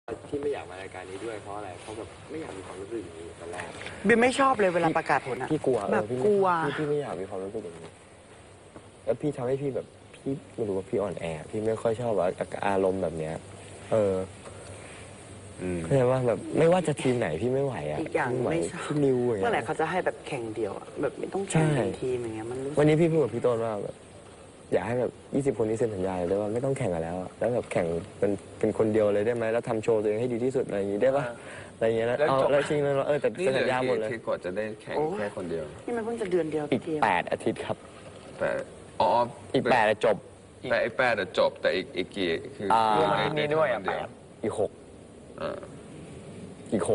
ที่ไม่อยากมารายการนี้ด้วยเพราะอะไรเพราะแบบไม่อยากมีความรู้สึกอย่างนี้ตอนแรกเบียไม่ชอบเลยเวลาประกาศผลอะพี่กลัวแบบพี่กลัวพี่ไม่อยากมีความรู้สึกอย่างนี้ แล้วพี่ทำให้พี่แบบพี่ไม่รู้ว่าพี่อ่อนแอพี่ไม่ค่อยชอบอารมณ์แบบเนี้ยเข้าใจว่าแบบไม่ว่าจะทีมไหนพี่ไม่ไหวอ่ะอีกอย่างไหวไม่ชอบพี่นิวอย่างเมื่อไหร่เงี้ยเขาจะให้แบบแข่งเดียวอะแบบไม่ต้องแข่งเป็นทีมอย่างเงี้ยมันรู้สึวันกนี้พี่พูดกับพี่ต้นว่าแบบอยากให้แบบ20 คนนี้เซ็นสัญญาเลยว่าไม่ต้องแข่งกันแล้วอะแล้วแบบแข่งเป็นคนเดียวเลยได้ไหมแล้วทำโชว์ตัวเองให้ดีที่สุดอะไรอย่างงี้ได้ปะอะไรอย่างเงี้ยแล้วเอาแล้วจริงแล้วแต่นี่เซ็นเหลืสัญญาหมดเลยที่กว่าจะได้แข่งแค่คนเดียวนี่มันเพิ่งจะเดือนเดียวอีกพี่เทียม 8 อาทิตย์ครับแต่อ๋ออีก8อะจบแต่ไอ้8อะจบแต่อีกกี่คือรวมได้อาทิตย์นี้ด้วยอะแค่คนเดีอีกอ่า 6อีก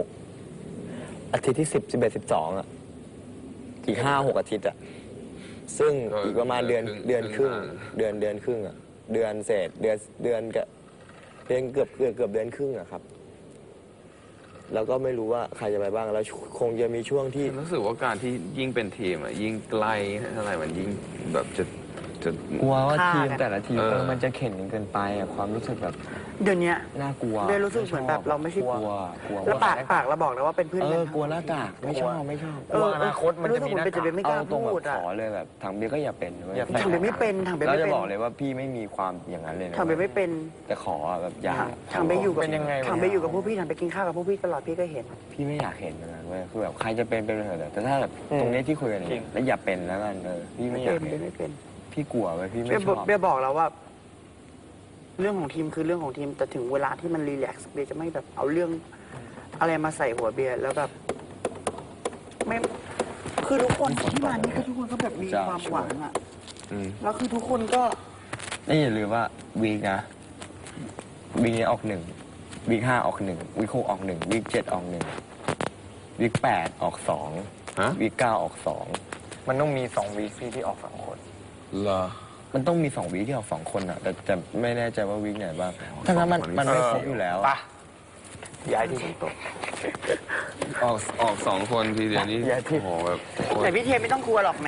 6อาทิตย์ที่10 11 12อะอีก5-6 อาทิตย์อะซึ่งอีกประมาณเดือนครึ่งเดือนครึ่งอะเดือนเศษเดือนกับเกือบเดือนครึ่งอะครับ แล้วก็ไม่รู้ว่าใครจะไปบ้างแล้วคงจะมีช่วงที่รู้สึกว่าการที่ยิ่งเป็นทีมอะยิ่งใกล้เท่าไหร่มันยิ่งแบบจะกลัวว่าฆ่าทีมกันแต่ละทีมเออมันจะเข็นกันเกินไปอะความรู้สึกแบบเดี๋ยวนี้น่ากลัวเบียรู้สึกเหมือนแบบเราไม่ใช่กลัวแล้วปากเราบอกแล้วว่าเป็นเพื่อนเอกันอกลัวหน้ากากไม่ชอบเอออนาคตมันจะมีหน้ากากรู้สึกเหมือนเป็นจะไม่กล้าเอาตรงแบพูบดอะขอเลยแบบถังเบียร์ก็อย่าเป็นเว้ยถังเบียร์ไม่เป็นถังเบียร์ไม่เราเป็นจะบอกเลยว่าพี่ไม่มีความอย่างนั้นเลยนะทำไปไม่เป็นแต่ขออะแบบอย่าทำไปอยู่กับเป็นยังไงวะทำไปอยู่กับพวกพี่ทำไปกินข้าวกับพวกพี่ตลอดพี่ก็เห็นพี่ไม่อยากเห็นอย่างนั้นเว้ยคือแบบใครจะเป็นเถอะแต่ถ้าแบบตรงนี้ที่คุยกันอย่างเงี้ยแล้วอย่าเป็นแล้วกันพี่ไม่อยากเป็นเห็นไม่เป็นพี่กลัวเว้ยพี่ไม่เบียชอบเบียบอกแล้วว่า เรื่องของทีมคือเรื่องของทีมแต่ถึงเวลาที่มันรีแลกซ์เบียจะไม่แบบเอาเรื่องอะไรมาใส่หัวเบียร์แล้วแบบ ไม่คือทุกคนที่มานี่คือทุกคนก็แบบมีความหวังอะอืมแล้วคือทุกคนก็นี่อย่าลืมว่าวีคนะวีคนี้ออกวีค5ออกวีค6ออกวีค7ออกวีค8ออกฮะวีค9ออก2มันต้องมี2วีคที่ออก2คนเหรอมันต้องมี2วีคที่ออก2คนอ่ะแต่ไม่แน่ใจว่าวีคไหนบ้างถ้างั้นมันไม่ครบอยู่แล้วอะย้ายที่ตกออก2 คนทีเดียวนี่อย่าที่โอ้โหแบบโคตแต่รพี่เทไม่ต้องกลัวหรอกแหม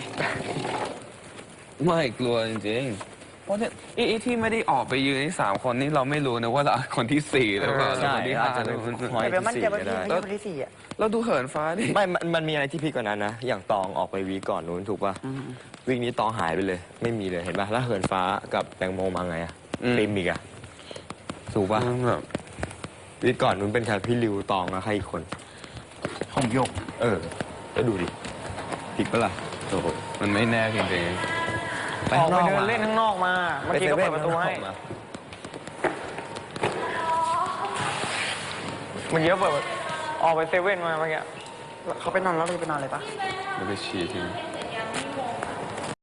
ไม่กลัวจริงๆเพราะเนี่ยไอ้ที่ไม่ได้ออกไปยืนนี่3 คนนี่เราไม่รู้นะว่าเราคนที่4หรือเปล่าใช่คนที่อาจ 5 จะหเป็รืนอคนพอยแต่เบียร์มั่นใจว่าที่พี่ 4ก็ได้ไม่ใช่คนที่สี่อะเราดูเหินฟ้าดิไม่มันมีอะไรที่พีกกว่านั้นนะอย่างตองออกไปวีคก่อนนู้นถูกป่ะวีคนี้ตองหายไปเลย ไม่มีเลยเห็นป่ะแล้วเหินฟ้ากับแตงโมมาไงอะปิมอีกอะถูกป่ะแบบวีคก่อนนู้นเป็นใครพี่ริวตองแล้วใครอีกคนผมยกแล้วดูดิผิดปะล่ะโอ้โหมันไม่แน่จริงออกไปเดินเล่นข้างนอกมาเมื่อกี้ก็เปิดประตูให้เมื่อกี้ก็เปิดออกไปเซเว่นมาเมื่อกี้เขาไปนอนแล้วเราจะไปนอนเลยปะๆแล้วไปฉี่ทิ้ง